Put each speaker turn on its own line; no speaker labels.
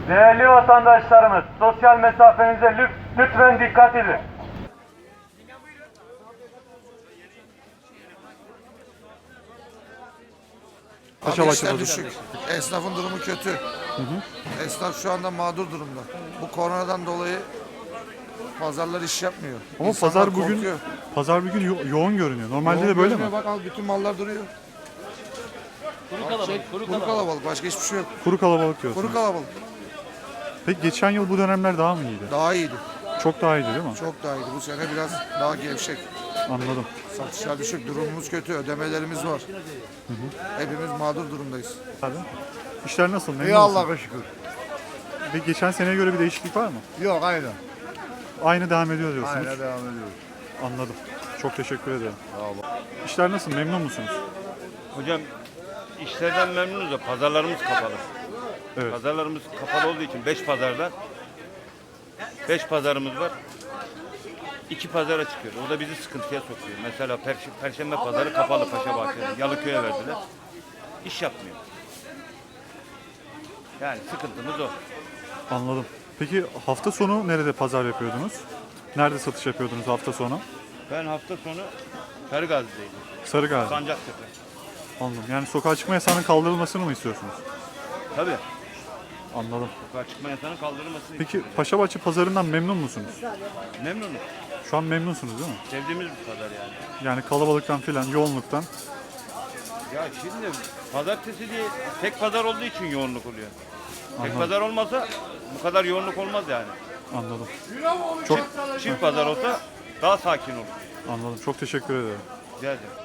Değerli vatandaşlarımız, sosyal mesafenize lütfen dikkat edin.
Abi işler düşük. Esnafın durumu kötü. Esnaf şu anda mağdur durumda. Bu koronadan dolayı pazarlar iş yapmıyor.
Ama
İnsanlar
pazar bugün
korkuyor.
yoğun görünüyor. Normalde
Yoğun
de böyle mi?
görünüyor, bak al bütün mallar duruyor. Kuru kalabalık. Başka hiçbir şey yok.
Kuru kalabalık diyorsun.
Kuru kalabalık.
Peki geçen yıl bu dönemler daha mı iyiydi?
Daha iyiydi.
Çok daha iyiydi değil mi?
Çok daha iyiydi. Bu sene biraz daha gevşek.
Anladım.
Satışlar düşük. Durumumuz kötü. Ödemelerimiz var. Hepimiz mağdur durumdayız.
Hadi. İşler nasıl? Memnun
İyi
musun?
Allah'a şükür.
Ve geçen seneye göre bir değişiklik var mı?
Yok aynı.
Aynı devam ediyor diyorsunuz.
Aynı devam ediyoruz.
Anladım. Çok teşekkür ederim. İşler nasıl? Memnun musunuz?
Hocam işlerden memnunuz da pazarlarımız kapalı.
Evet.
Pazarlarımız kapalı olduğu için 5 pazarda 5 pazarımız var. 2 pazara çıkıyoruz. O da bizi sıkıntıya sokuyor. Mesela Perşembe pazarı kapalı Paşabahçe'de. Yalıköy'e verdiler. İş yapmıyor. Yani sıkıntımız o.
Anladım. Peki hafta sonu nerede pazar yapıyordunuz? Nerede satış yapıyordunuz hafta sonu?
Ben hafta sonu Sarıgazi'deydim.
Sarıgazi.
Sancaktepe.
Anladım. Yani sokağa çıkma yasağının kaldırılmasını mı istiyorsunuz?
Tabii.
Anladım.
Sokağa çıkma yasağının kaldırılmasını
Peki Paşabahçe pazarından memnun musunuz?
memnunum.
Şu an memnunsunuz değil mi?
Sevdiğimiz bir pazar yani.
Yani kalabalıktan filan, yoğunluktan.
Ya şimdi pazartesi diye tek pazar olduğu için yoğunluk oluyor. Tek
Anladım.
pazar olmasa bu kadar yoğunluk olmaz yani.
Anladım. Çok
Çift pazar olsa daha sakin olur.
anladım. Çok teşekkür ederim.
Rica ederim.